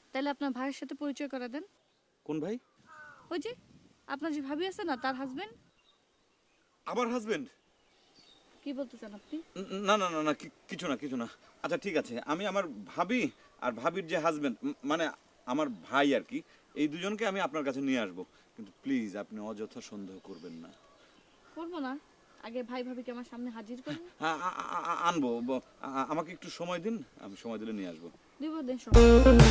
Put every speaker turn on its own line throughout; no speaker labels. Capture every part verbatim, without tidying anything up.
তাহলে আপনার ভাইয়ের সাথে পরিচয় করে দেন।
কোন ভাই?
ওই যে আপনার যে ভাবি আছে না, তার হাজবেন্ড।
আমার হাজবেন্ড?
কি বলতে চান আপনি?
না না না না কি- কিছু না কিছু না। আচ্ছা ঠিক আছে, আমি আমার ভাবি আর ভাবির যে হাজবেন্ড, মানে আমার ভাই আর কি, এই দুজনকে আমি আপনার কাছে নিয়ে আসবো। কিন্তু প্লিজ আপনি অযথা সন্দেহ করবেন না।
করবো না, আগে ভাই ভাবিকে আমার সামনে হাজির করুন।
হ্যাঁ আ- আ- আ- আনবো, ব- আ- আমাকে একটু সময় দিন, আমি সময় দিলে নিয়ে আসবো।
দিব দেন সময়।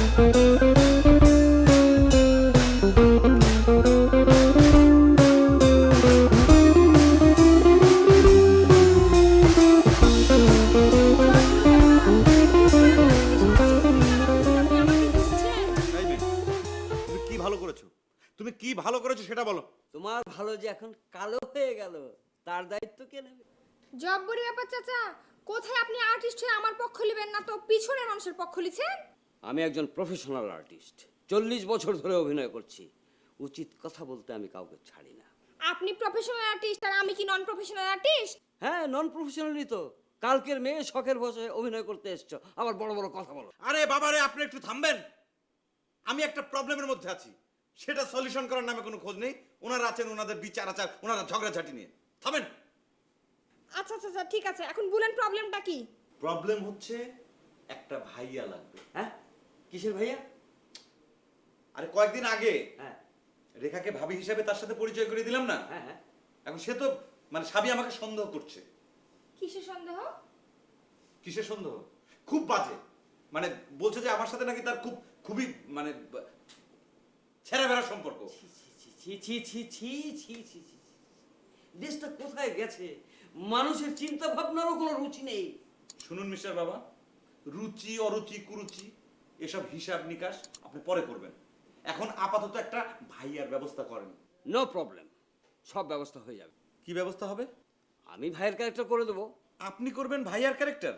এই মেয়ে, তুমি কি ভালো করেছো? তুমি কি ভালো করেছো সেটা বলো।
তোমার ভালো যে এখন কালো হয়ে গেল, তার দায়িত্ব কে নেবে?
জব্বরি ব্যাপার চাচা, কোথায় আপনি আর্টিস্ট হয়ে আমার পক্ষ নেবেন না তো পিছনের মানুষের পক্ষ লিছেন?
আমি একজন প্রফেশনাল আর্টিস্ট, চল্লিশ বছর ধরে অভিনয় করছি। উচিত কথা বলতে আমি কাউকে ছাড়ি না।
আপনি প্রফেশনাল আর্টিস্ট আর আমি কি নন প্রফেশনাল আর্টিস্ট?
হ্যাঁ, নন প্রফেশনালই তো। কালকের মেয়ে শখের বসে অভিনয় করতে এসছো, আবার বড় বড় কথা বলো।
আরে বাবারে, আপনি একটু থামবেন। আমি একটা প্রবলেমের মধ্যে আছি, সেটা সলিউশন করার নামে কোনো খোঁজ নেই। ওনারা আছেন ওনাদের বিচার আচার, ওনারা ঝগড়াঝাটি নিয়ে। থামেন।
আচ্ছা আচ্ছা আচ্ছা, ঠিক আছে, এখন বলেন প্রবলেমটা কি?
প্রবলেম হচ্ছে একটা ভাইয়া লাগবে।
হ্যাঁ, কিসের ভাইয়া?
আরে কয়েকদিন আগে
হ্যাঁ
রেখাকে ভাবি হিসেবে তার সাথে পরিচয় করে দিলাম না,
হ্যাঁ হ্যাঁ।
এখন সে তো মানে স্বামী আমাকে সন্দেহ করছে।
কিসের সন্দেহ?
কিসের সন্দেহ? খুব বাজে, মানে বলছে যে আমার সাথে নাকি তার খুব খুবই মানে ছেঁড়া বেড়া সম্পর্ক।
ছি ছি ছি ছি ছি ছি ছি ছি। দেশটা কোথায় গেছে? মানুষের চিন্তা ভাবনারও কোনো রুচি নেই।
শুনুন মিস্টার বাবা, রুচি অরুচি কুরুচি এসব হিসাব নিকাশ আপনি পরে করবেন। এখন আপাতত একটা ভাইয়ার ব্যবস্থা করেন।
নো প্রবলেম, সব ব্যবস্থা হয়ে যাবে।
কি ব্যবস্থা হবে?
আমি ভাইয়ের ক্যারেক্টার করে দেবো।
আপনি করবেন ভাইয়ার ক্যারেক্টার?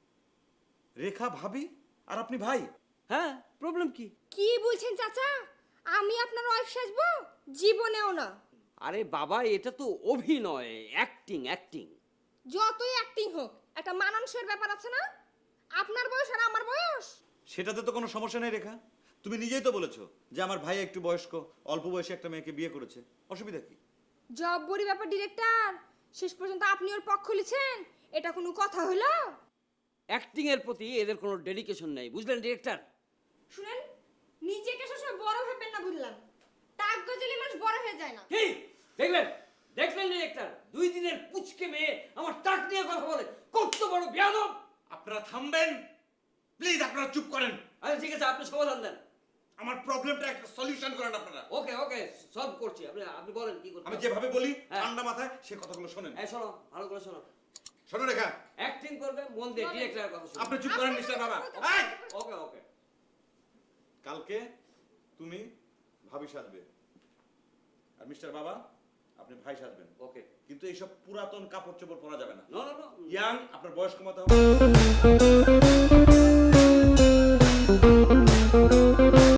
রেখা ভাবি আর আপনি ভাই?
হ্যাঁ, প্রবলেম কি?
কি বলছেন চাচা? আমি আপনার ওয়াইফ সাজবো? জীবনেও না।
আরে বাবা, এটা তো অভিনয়, অ্যাক্টিং অ্যাক্টিং।
যতই অ্যাক্টিং হোক, একটা মানানসইয়ের ব্যাপার আছে না? আপনার বয়স আর আমার বয়স।
সেটাতে তো কোনো সমস্যা নেই রেখা, তুমি নিজেই তো বলেছো যে আমার ভাই একটু বয়স্ক, অল্প বয়সে একটা মেয়েকে বিয়ে করেছে, অসুবিধা কি?
জব্বরি ব্যাপার ডিরেক্টর, শেষ পর্যন্ত আপনি ওর পক্ষ লিছেন, এটা কোনো কথা হলো?
অ্যাক্টিং এর প্রতি এদের কোনো ডেডিকেশন নেই, বুঝলেন ডিরেক্টর?
শুনেন, নিজেকে সবসময় বড় ভাববেন না, বুঝলাম? টাক গজলে মানুষ বড় হয়ে যায় না।
কি দেখলেন? দেখলেন ডিরেক্টর? দুই দিনের পুচকে মেয়ে আমার টাক নিয়ে কথা বলে, কত বড় বেয়াদব!
আপনারা থামবেন প্লিজ, আপনারা চুপ করেন।
আচ্ছা ঠিক আছে, আপনি সমাধান দেন।
আমার প্রবলেমটা একটা সলিউশন করেন আপনারা।
ওকে ওকে, সলভ করছি। আপনি আপনি বলেন কি করতে
আমি
হবে?
যেভাবে বলি
হ্যাঁ।
ঠান্ডা মাথায় সে কথাগুলো শোনেন।
এই শোনো, ভালো করে শোনো।
শোনো রেখা,
অ্যাক্টিং করবে মন দিয়ে, ডিরেক্টরের কথা শোনো।
আপনি চুপ করেন মিস্টার বাবা। এই!
ওকে ওকে।
কালকে তুমি ভাবি সাজবে আর মিস্টার বাবা আপনি ভাই সাজবেন।
ওকে।
কিন্তু এইসব পুরাতন কাপড় চোপড় পরা যাবে না।
No no no.
ইয়াং, আপনার বয়স কমাতে হবে।